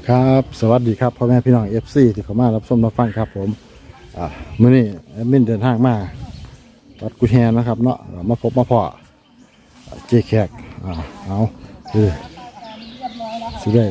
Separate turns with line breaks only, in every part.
ครับสวัสดีครับพ่อแม่พี่น้องFCที่เข้ามารับชมรับฟังครับผมมื้อนี้แอดมินเดินทางมาวัดกุฎแฮนะครับเนาะมาพบมาพอเจแขกเอาคือสิได้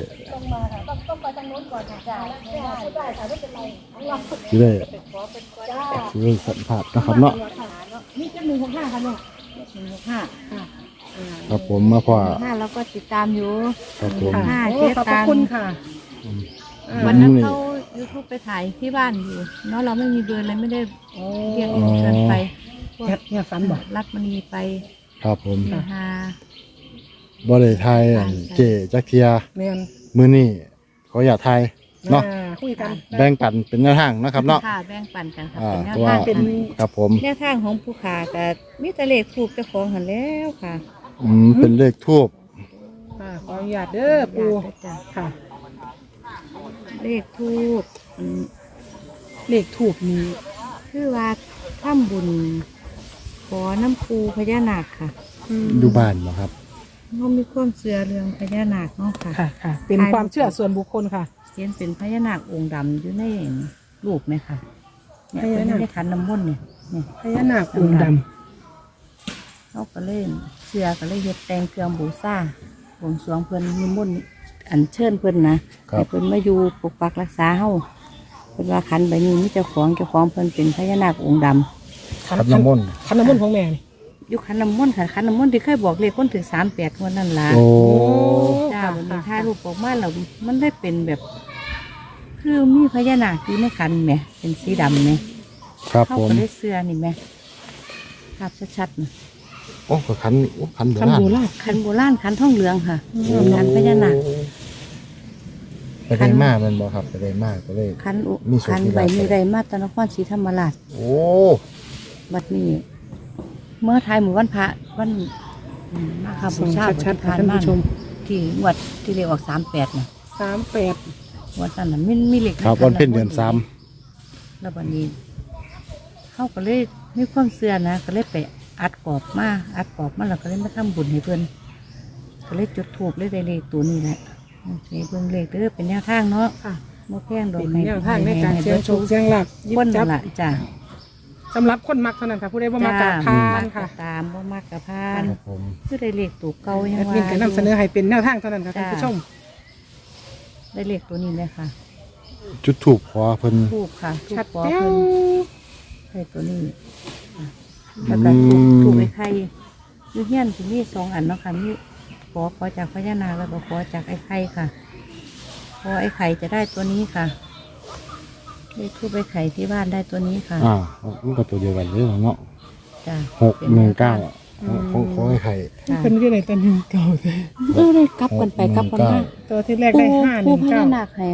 สิได้สัมผัสนะครับเนาะ
นี่จะ165ค่ะเนี่ย165ค่ะ
ครับผมมาพอ
5เราก็ติดตามอยู่
ครับผม
5เจ๊
ขอบ
ตัง
คุณค่ะ
วันนั้นเขา YouTube ไปถ่ายที่บ้านอยู่เนาะเราไม่มีเบอร์เลยไม่ได้เรียกเชิญไป
เนี่ยฝันบอก
รัดมณีไป
ครับผม
บ่
ได้ทายเจจักเทียมื้อนี้ขออย่าทายเนาะ
คุยกัน
แบ่งปันเป็นแนวทางนะครับเนาะ
ค่ะแบ่งปันกันค่ะเป็นแนวทาง
ครับผม
แนวทางของผู้ขาแต่มีแต่เลขถูกเจ้าของหันแล้วค่ะ
เป็นเลขทูบ
ขออนุญาตเด้อปูค่ะ
เลขทูบ
นี้
คือว่าทำบุญขอน้ำปูพญานาคค่ะ
อยู่บ้านเหรอครับ
เขามีความเชื่อเรื่องพญานาคเนาะค่ะ
ค่ะเป็นความเชื่อส่วนบุคคลค่ะ
เห็นเป็นพญานาคองค์ดำอยู่ในรูปไหมค่ะเนี่ยเป็นในขันน้ำมนต์เนี่ย
พญานาคองค์ด
ำเขาก็เล่นเชื่อก็เลยเฮ็ดแต่งเครื่องบูชาบวงสรวงเพิ่นนิมนต์อัญเชิญเพิ่นนะให้เพิ่นมาอยู่ปกปักรักษาเฮาเพิ่นว่าขันใบนี้มีเจ้าของเพิ่นเป็นพญานาคองค์ด
ำขันน้ำมนต์
ของแม่นี่
อยู่ขันน้ำมนต์ค่ะขันน้ำมนต์ที่เคยบอกเลขคนถึง38คนนั่นล่ะจ้าวันนี้ถ่ายรูปออกมาแล้วมันได้เป็นแบบคือมีพญานาคอยู่ในขันแหมเป็นสีดำเนี่ย
ครับผม
เขาก็ได้เสื้อนี่แหมภาพชัดๆนะ
โอ้ขันโบราณ
ขันโบราณขันทองเหลืองค่ะขันพญานาค
ไปได้มากมันบอกครับไปได้มากก็เลย
ขันใบมีไรมาตนครศรีธรรมราช
โอ้
บัดนี้เมื่อไทยหมู่วันพระวันมาค่ะบูชา
ชัดๆท่านผู้ชม
ที่งวดที่เรียกออก38นะ
38
วันนั้นน่ะมีเหล็ก
ครับวันเพ็ญเดือน
3แล้ววันนี้เขาก็เลยมีความเสื่อนะก็เลยไปอัดกรอบมาแล้วก็เลยมาทำบุญให้เพื่อนก็เลยจุดธูปเลยได้เลขตัวนี้แหละเบิ่งเลขเด้อเป็นแนวทางเนาะบ่แพงดอก
เป็นแนวทางในการเสี่ยงโชคเสี่ยงลาภ
คนละจ้ะ
สำหรับคนมักเท่านั้นค่ะผู้ใดบ่มักกับพานค่ะ
ตามบ่มักกับพานคือได้เลขตัวเก่ายังว่า
แอดมินก็นำเสนอให้เป็นแนวทางเท่านั้นค่ะท่านผู้ชม
ได้เลขตัวนี้เลยค่ะ
จุดถูกขอเพิ่น
ถูกค่ะชัดขอเพิ่นให้ตัวนี้แล้วก็ถูกไอ้ไข่ยูเฮียนที่นี่2 อันเนาะค่ะนี่ขอจากพญานาคแล้วก็ขอจากไอ้ไข่ค่ะขอไอ้ไข่จะได้ตัวนี้ค่ะได้ทูบไอ้ไข่ที่บ้านได้ตัวนี้ค่ะ
มันก็ตัวเดียวกันเลยเนาะ
จ้ะ
619ของไอ้ไข่
เป็นที่ไหนตัว19เลย
ได้กลับกันไปกลับกันมา
ตัวที่แรกได้519
ผู้พญานาคให้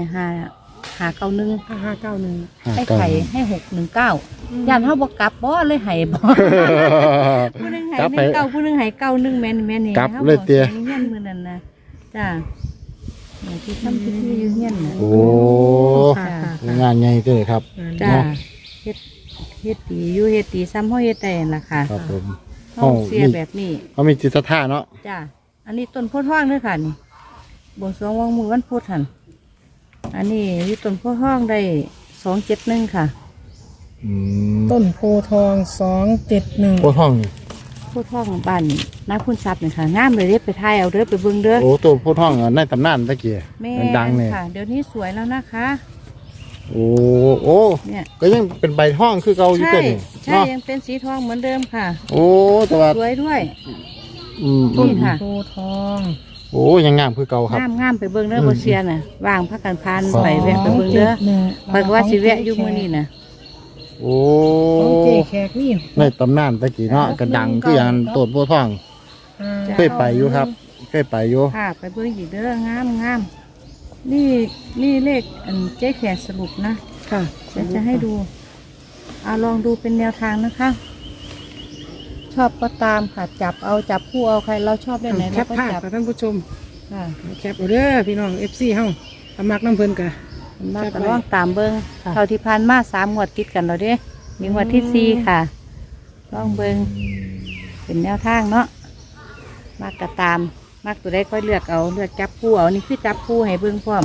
591ไอ้ไข่ให้619ย่านเฮาบ่กลับบ่เลยให้บ่ผู้นึงให้19ผู้นึงให้91แม่นี่
กลับเลยเตี้ย
เฮียนมื้อนั้นนะจ้ะที่ทำพิธีอยู่เฮียนน่ะ
โอ้งานใหญ่เลยครับ
จ้ะเฮ็ดดีอยู่เฮ็ดดีซ้ำเฮาเฮ็ดได้ล่ะค่ะ
ครับผม
เฮาเสียแบบนี้
เขามีจิตศรัทธาเนาะ
จ้ะอันนี้ต้นโพธิ์ทองเด้อค่ะนี่บวงสรวงวางมือวันพุธหั่นอันนี้อยู่ต้นโพธิ์ทองได้271ค่ะ
ต้นโพธิ์ทอง271
โพธิ์ทอง
บ้านนาคุณทรัพย์นี่ค่ะงามเลยเด้ไปถ่ายเอาเด้อไปเบิ่งเด้อ
โอ้ต้นโพธิ์ทองในตำนานตะกี้ดังเนี่ย
ค่ะเดี๋ยวนี้สวยแล้วนะคะ
โอ้เนี่ยก็ยังเป็นใบทองคือเก่าอยู่ตัวนี้
ใช่ยังเป็นสีทองเหมือนเดิมค่ะ
โอ้แต่ว่า
สวยด้วย
นี่ค่ะโพธิ์ทอง
โอ้ยังงามคือเก่าครับ
งามไปเบิ่งเด้อบ่เสียน่ะว่างพักกันพานไปแวะไปเบิ่งเด้อเพิ่นว่าสิแวะอยู่มื้อนี้น่ะ
โอ้
เจ๊แขกนี่
ในตำนานตะกี้เนาะก็ดังคืออย่างต้นโพธิ์ทองเคยไปอยู่ครับเคยไปอยู่
ค่ะไปเบิ่งอีกเด้องามนี่เลขเจ๊แขกสรุปนะ
ค่ะ
จะให้ดูลองดูเป็นแนวทางนะคะชอบก็ตามค่ะจับคู่เอาใครเราชอบได้ไหนเราก็จับ
ท่านผู้ชมแคปเอาเด้อพี่น้อง FC เฮามักน้ำเพิ่นกะ
มาก็ลองตามเบิ่งเท่าที่ผ่านมา3 งวดติดกันแล้วเด้มีงวดที่4ค่ะลองเบิ่งเป็นแนวทางเนาะมากก็ตามมากตัวได้ค่อยเลือกจับคู่เอานี่คือจับคู่ให้เบิ่งพร้อม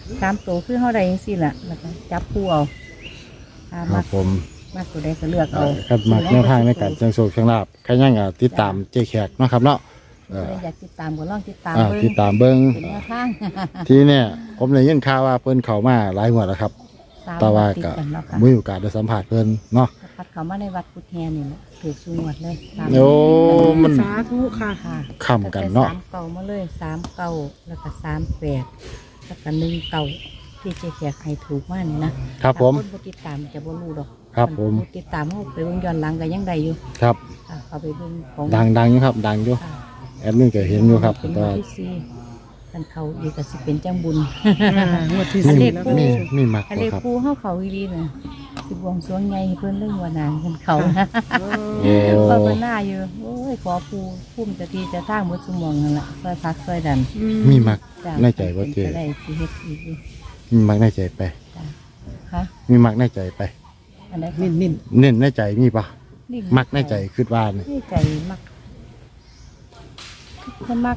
3ตัวคือเฮาได้จังซี่ล่ะแล้วก็จับคู่เอาถ้า
ครั
มั
บ
ก
ผม
มักตัวใดก็เลือกเอา
ครับมักแนวทางในการเชิงโชคเชิงลาบใครยังติดตามเจ๊แขกเนาะครับเนาะ
ผู้ใดอยากติดตามก็ลองติดตาม
ติดตามเบิ่ง
เป็นแนวทาง
ทีเนี่ยผมได้ยินข่าวว่าเพิ่นเข้ามาหลายงวดแล้วครับ แต่ว่า
ติด
ก็
กันเนาะค่ะ
มีโอกาสได้สัมผัสเพิ่นเนาะ
พัดเขามาในวัดกุฎแฮนี่แหละถือสูงวดเลยตาม
โอ้มัน
สาธุค่ะ
ค่ะ
ค้ำกันเนาะ
ตั้งแต่3เก่ามาเลย3เก่าแล้วก็38แล้วก็1เก่าที่เจ๊แขกให้ถูกมากนี่นะครับ
ผม
ถ้าคนบ่ติดตามจะบ่รู้ดอก
ครับผม
นติดตามเฮาไปเบิ่งย้อนหลังก็ยังได้อยู่
ครับ
ค่ะเอาไปเบิ่งของ
ดังอยู่ครับดังอยู่
ค่ะ
แอดมินก็เห็นอยู่ครับ
เป็น
แต่
วัน
ว่า
ที่สี่ท่านเขาอีกก็สิเป็นจังบุญ
งวดที่
อัน
สี่
นี้
แล้ว
มีมัก
อัน
บ่
นี้
ครับ
ปูเฮาเขาอีหลีน่ะสิบวงสรวงใหญ่ให้เพิ่นเรื่องว่านานเพิ่นเขานะ
โอ้
ภาวนาอยู่โอ้ยขอปูพุ่มจะทีจะทางหมดสมองนั่นล่ะซอยพักซอยดัน
มีมัก
จ้ะ
ในใจบ่เจ๊
เป็นไปได้สิเฮ็ดอีกอยู่
มีมักในใจไป
จ้ะฮะ
มีมักในใจไป
อันใด
นิ่นนิ่น
เน้นในใจมีปะ
นี่
มักในใจคิดว่านี่
ในใจมักเพิ่นมัก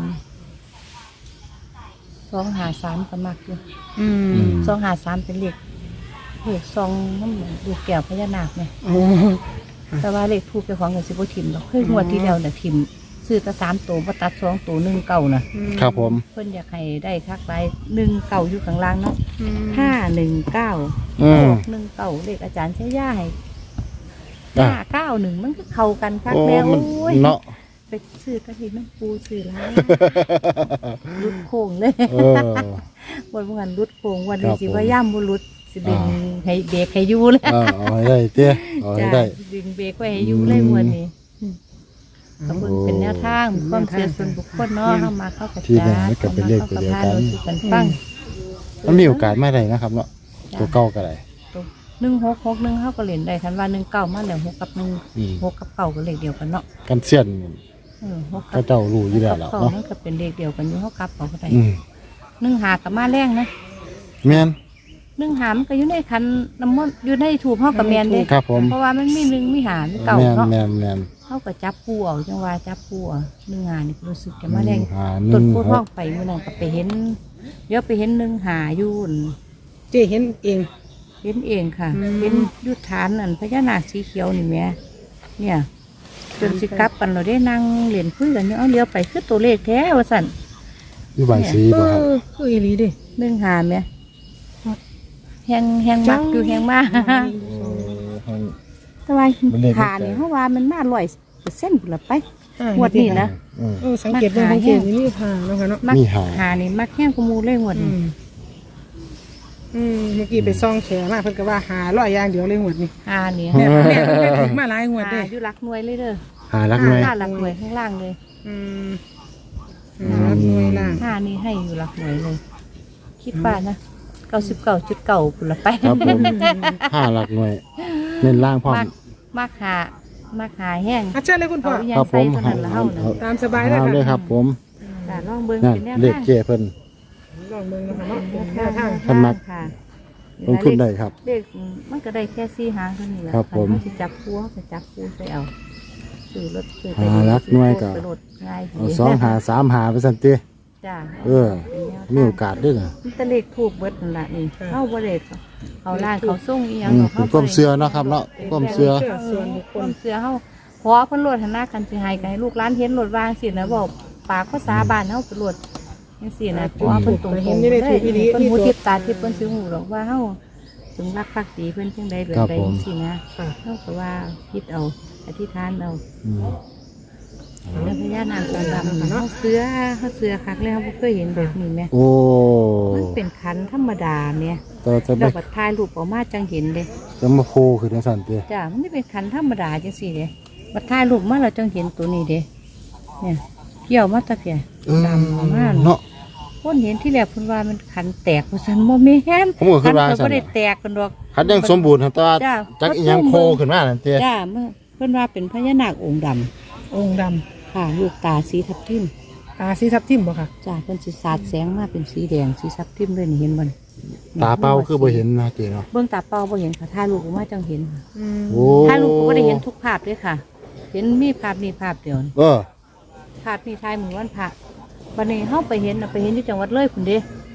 253ก็มักอยู่
อืม
253เป็นเลขซองน้ำดูกแก้วพญานาคเนี่ย
โอ้
แต่ว่าเลขทูบเจ้าของก็สิบ่ทิมดอกเคยงวดที่แล้วน่ะทิมซื้อแต่3ตัวบ่ตัด2ตัว1เก่าน่ะ
ครับผม
เพิ่นอยากให้ได้คักหลาย1เก่าอยู่ข้างล่างเนาะ
อืม
519
อืม
1เก่าเลขอาจารย์ใช้ย่าให้
อ่ะ
591มันก็เข้ากันคัก
โอ้
แล้ว
มัน
โอ้ย
เนาะ
ไปซื้อกระถิ่นน้ำปูซื้อหลายรุดโค้งเลย
เออ
วันเมื่อวันรุดโค้งวัน
ครั
นี้
บ
สิว่าย่ำบ่รุดสิเบ่งให้เบรกให้อยู่เลย
เอาให้ได้เตี้ยเอาให้
จ้ะ
ได้
ดึงเบรกไว้ให้อยู่เลยวันนี้ก็เพิ่นเป็นแนวทางความเชื่อส่วนบุคคลเนาะเฮามาเข้ากับ
ที่ไหนมันก็เป็นเลขตัวเดียวกัน
กันฟัง
มันมีโอกาสไม่ได้นะครับเนาะตัวเก่าก็ได้
1661เฮาก็เล่นได้คันว่า19มาแล้ว6กับ
อืม
1 6กับ9ก็เลขเดียวกันเนาะ
กันเสี้ยน
6
ก็เจ้ารู้อยู่แล้วล่ะ
เก้า
เนาะ
มันก็เป็นเลขเดียวกันอยู่เฮากลับเอาก็ได้
อืม
1หากับมาแรงนะ
แม่น
1หามันก็อยู่ในคันน้ำมนต์อยู่ในถูกเฮากับแม่นเด้
ครับผม
เพราะว่ามันมี1มีหามีเก่า
แม่น
เนาะ
แม่นแม่น
เขาก็จับปูเอาจังว่าจับปูเอา1หานี่รู้สึกจะมาแรง
หา
ต้น
1
โพธิ์ทอง
6
ไปมื้อนั้นก็ไปเห็นเดี๋ยวไปเห็น1หาอยู่นั่น
เจ๊เห็นเอง
เห็นเองค่ะ
อืม
เห็นอยุทธานนั่นพญานาคสีเขียวนี่แหม่เนี่ยจนสิกลับกันเราได้นั่งเล่นคุยกันอยู่เอาเลี้ยวไปคือตัวเลขแท้ว่าสั่น
อยู่บ้านสี
เอ
บ่ครับ
อคืออีหลีเดิ
1หาแหม่แฮงมักอยู่แฮงมาก แต่ว่า
มันเลข
หานี่เพราะว่ามันมา100%พุ่นละไปงวดนี้นะ
อืม
เออสังเกตดูสังเกตนี่ผ่าเนาะค่ะเนาะ
มัก
มีหา
หานี่มักแห้งกว่าหมูเลยงวด
อื
นี้
มเมื่อกี้ไปซ่องแขมาเพิ่นก็ว่าหาร้อยอย่างเดียวเลยงวดนี้
หานี่
แม่เพิ่นไปถึงมาหลายงวด
หา
เด้
อยู่หลักหน่วยเลยเด้อ
หารักหน่วย
หาหลักหน่วยข้างล่างเลย
อืมรับหน่วยล่าง
หานี่ให้อยู่หลักหน่วยเลย คิดว่านะ99.9พุ่นละไป
ครับผมห้าหลักหน่วยเน้นล่างพร้อม
มักหามักหาแห้ง
อาเชิญเลยคุณพ่อ
เอาอีหยั
ครั
ง
บผ
ใส่
ม
ตัวนั้นละเฮานะ
ตามสบายเลย
เอา
ค่ะ
เลยครับผม
จ้ะลองเบิ่ง
นั่น
เป็นแนว
เลข
ทาง
เจ้เพิ่น
ลองเบิ่งนะคะเนาะ
เป็น
แน
แน
ว
ว
ทา
ทาง ง
ท่านมัก
ค่ะ
ลงทุนได้ครับ
เลขมันก็ได้แค่4หางเท่านี้แหละ
ครับผม
เฮาสิจับคู่เฮาก็จับคู่ใส่เอาซื้อรถซื้อไป
หาหลักหน่วยก็
ไปรถง่าย
เอาสองหาสามหาไปสันติ
จ้ะ
เออ มีโอกาสด้วยนะ
มันตะเลขถูกเบิดนั่นล่ะนี่เข้าบ่ได้เขาล่างเขาส่งอีหยัง
อืม
เขา
เป็นความเชื่อเนาะครับเนาะความเชื่อ
ส่วนบุคค
ค
ล
วามเชื่อเฮาขอเพิ่นโลดหันหน้ากันสิให้กันให้ลูกหลานเห็นโลดวางสินะบอกปากภาษาบ้านเฮาเป็นโลดจังซี่นะขอเพิ่นตรงๆ
เห็นอยู่ในทีวีนี้
เพิ่นหูทิพตาทิพเพิ่นสิฮู้ดอกว่าเฮาถึงรักภักดีเพิ่นจังใดแบบใดจังซี่นะ
ค่ะ
เฮาก็ว่าคิดเอาอธิษฐานเอา
อืม
แล้วพญานาคองค์ดำเฮาเสือคักแล้วบ่เคยเห็นแบบนี้แหม
โอ้
มันเป็นขันธรรมดาเนี่ย
แต่จะ
แล้
ไม่
วก็ถ่ายรูปออกมาจังเห็นเด้
จะมาโคคือจังสันติ
จ้ามันไม่เป็นขันธรรมดาจังสี่เด้มาถ่ายรูปมาเราจังเห็นตัวนี้เด้เนี่ยเกี่ยวมาตะเพีย ดำมาก
เนาะ
คนเห็นที่แรกเพิ่นว่ามันขันแตกเพราะฉันโมแม่น
ผมก็คิ
ขั
ดว่า
ก็
ซั่น
บ่ได้
น่ะ
แตกกันดอก
คันยังสมบูรณ์ครับแต่ว่า
จ้า
จักอีหยังโคขึ้นมานั่นติ
จ้าเมื่อเพิ่นว่าเป็นพญานาคองค์ดำ
องค์ด
ค่ะลูกตาสีทับทิม
ำตาสีทับทิมบ่ค่ะ
จ้าเพิ่นสิสาดแสงมาเป็นสีแดงสีทับทิมเลยนี่เห็นบ่นี่
ตาเป้าคือบ่เห็นนะติเนาะ
เบิ่งตาเปล่าบ่เห็นค่ะถ่ายรูปออกมาจังเห็น
โอ้
ถ่ายรูปก็บ่ได้เห็นทุกภาพด้วยค่ะ เห็นมีภาพนี้ภาพเดียวนี่
เออ
ภาพนี้ถ่ายมื้อวันพระวันนี้เฮาไปเห็นน่ะไปเห็นที่จังหวัดเลยพุ่นเด้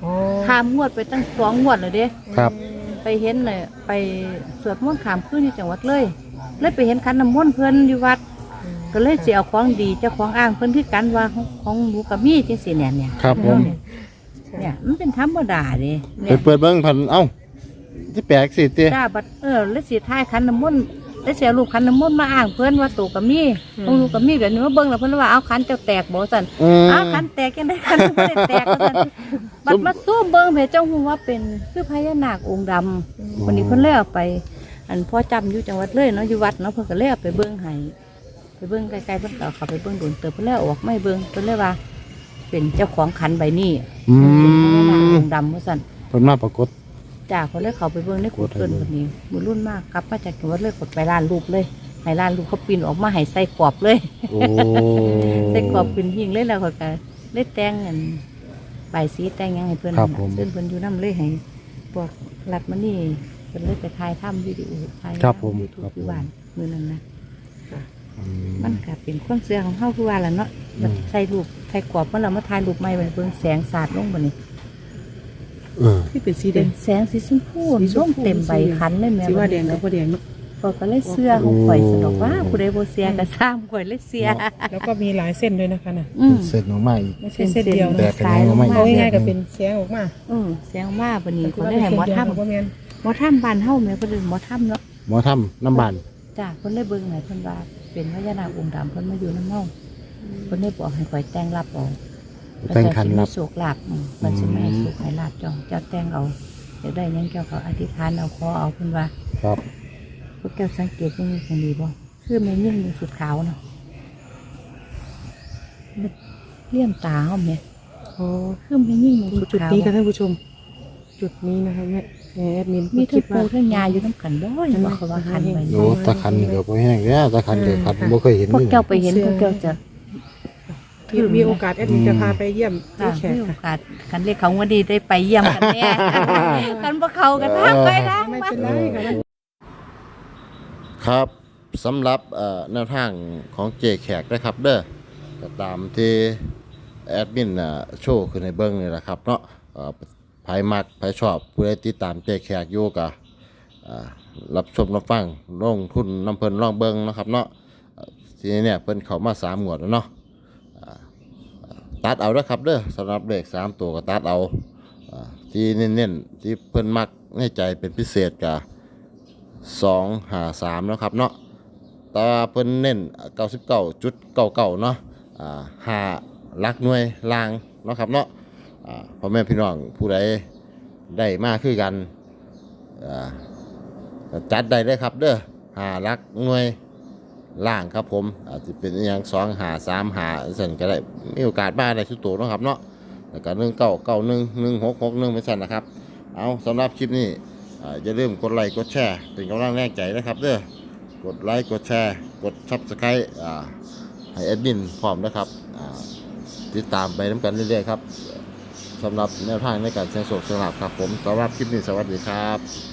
อ๋อ
ข้ามงวดไปตั้ง2 งวดเลยเด้
ครับ
ไปเห็นเลยไปสวดมนต์ขามคืนอยู่จังหวัดเลยไปเห็นขันน้ำมนต์เพิ่นอยู่วัด ก็เลยสิเอาของดีเจ้าของอ้างเพิ่นคือกันว่าของหนูกับมีจังซี่เนี่ย
ครับผม
เนี่ยมันเป็นธรรมดาเด้
ไป
เนี่ย
เปิดเบิ้งพันเอ้าที่แปลกสิเตี้ย
จ้าบัดแล้วสิท้ายขันน้ำมนต์แล้วสิเอารูปขันน้ำมนต์มาอ้างเพิ่นว่าตัวกับมีของหนูกับมีแบบนี้มาเบิ่งแล้วเพิ่นว่าเอาขันเจ้าแตกบ่ซั่น อ้าวขันแตกยังได้ขันไม่ได้แตกก็ซั่นบัดมาสู้เบิ่งเพจเจ้าฮู้ว่าเป็นคือพญานาคองค์ดำวันนี้เพิ่นเลยเอาไป อันพ่อจำอยู่จังหวัดเลยเนาะอยู่วัดเนาะเพิ่นก็เลยเอาไปเบิ่งให้ไปเบิ่งไกลๆเพิ่นก็เอาเข้าไปเบิ่งโดนเติบเพิ่นเลยเอาออกไม่เบิ่งเพิ่นเลยว่า เป็นเจ้าของขันใบนี้
อื
เป็นพญานาค
ม
องค์ดำว่าซั่น
เพิ่นมาปรากฏ
จ้าเพิ่นเลยเข้าไปเบิ่งในกูเกิลคนนี้มือรุ่นมากกลับมาจากจังหวัดเลยกดไปร้านรูปเลยให้ร้านรูปเขาปีนออกมาให้ใส่กรอบเลย
โอ้
ใส่กรอบเป็นหิ่งเลยแล้วเขาก็เลยแต่งเงินใบายสีแต่งหยังให้เพื่อนนั่นน่ะเพื่อนเพื่อนอยู่น้ำเลยให้บอกรัดมานี่เพื่อนเลยไปถ่ายทำวิดีโอถ่าย
ครับผม
ยูทู
ครับ บ
อยู่บ้านมือนั้นนะ
อื
มันก็เป็นความเสื่อของเฮาคือว่าแหละเนาะมันใส่รูปใส่กรอบเมื่อเรามาถ่ายรูปใหม่บัดนเพิ่งแสงสาดลงบัดนี้
ที่เป็นสีแด
เป็น
ง
แสงสีชมพู
สีช
ร่
ม
ม
พู
เต็มใบคันเลยแม่
สีว่าแดง
บั
กับ
ด
บ่แดงเนาะ
ก็เลยเสื้อของข่อยสนอกว่าผู้ใดบ่เสียก็สร้างข่อยเลยเสีย
แล้วก็มีหลายเส้นด้วยนะคะน่ะ
อืม
เสร็จออกมาอีก
ไม่ใช่เส้นเดียว
แต
นะ
กกันยังไม่
เอาง่ายๆก็เป็นเสียงออกมา
แสงว่าบัดนี้
แต่
คนได้ให้หมอถ้ำ
บ่แม่น
หมอถ้ำบ้านเฮาแม่เพิ่นเอิ้นหมอถ้ำเนาะ
หมอทำน้ำบาน
จ้าเพิ่นได้เบิ่งให้เพิ่นว่าเป็นพญานาคองค์ดำเพิ่นมาอยู่น้ำเฮาเพิ่นได้บอกให้ข่อยแต่งรับเอา
แต่งคันรับ
โศกลาบเพิ่นสิมาให้โศกให้ลาบเจ้าแต่งเอาอยากได้หยังเจ้าก็อธิษฐานเอาขอเอาเพิ่นว่า
ครับ
พวกเจ้าสังเกตยังมีคนดีบ่คือแม่ยิ่งมีสุดขาวเนาะเลี่ยมตาเฮาแม่
อ๋อ
คือแม่ยิ่งมีสุด
จุด
ขาว
นี้ค่ะท่านผู้ชม จุดนี้นะคะแม่แอดมิน
มีทั้
คิ
ง
ด
ปู
ว่า
ทั้งยาอยู่น้ำกันบ่อยบ่เขาว่าคันไป
โอ้ตะคันเดี๋ยวพอแห้งแล้วตะคันเดี๋ยวคันบ่เคยเห็น
พวก
นี่
เจ้าไปเห็นพวกเจ้าจะ
มีโอกาสแอดมินจะพาไปเยี่ยม
ค่ะ
ที่แขก
มีโอ
ค่ะ
กาสคันเรียกเขาว่าดีได้ไปเยี่ยมกันแน่กันบ่เขากันทางไปทาง
ไม่
มา
เป็นไรค่ะ
ครับสำหรับแนวทางของเจแขกนะครับเด้อก็ตามที่แอดมินโชว์ขึ้นในเบิ้งนี่แหละครับเนาะไผมักไผชอบผู้ใดติดตามเจแขกอยู่ก็รับชมรับฟังลงทุนน้ำเพิ่นลองเบิ้งนะครับเนาะทีนี้เนี่ยเพิ่นเข้ามา3 งวดแล้วเนาะตัดเอาเด้อครับเด้อสำหรับเลข3 ตัวก็ตัดเอาที่เน้นๆที่เพิ่นมักในใจเป็นพิเศษก็253แล้วครับเนาะแตว่าเพิ่นเน้น99.99เนาะ5หลักหน่วยล่างเนาะครับเนาะพ่อแม่พี่น้องผู้ใดได้มาคือกันก็จัดได้เลยครับเด้อ5หลักหน่วยล่างครับผมอาจจะเป็นอหย่าง2 5 3 5สั่นก็ได้มีโอกาสมาได้ทุกตัวเนาะครับเนาะแล้วก็1991 1661เป็นสั่นนะครับเอาสำหรับคลิปนี้อย่าลืมกดไลค์กดแชร์เป็นกำลังแรงใจนะครับเด้อกดไลค์กดแชร์กด Subscribe ให้แอดมินพร้อมนะครับติดตามไปน้ำกันเรื่อยๆครับสำหรับแนวทางในการเสี่ยงโชคเสี่ยงลาภครับผมสำหรับคลิปนี้สวัสดีครับ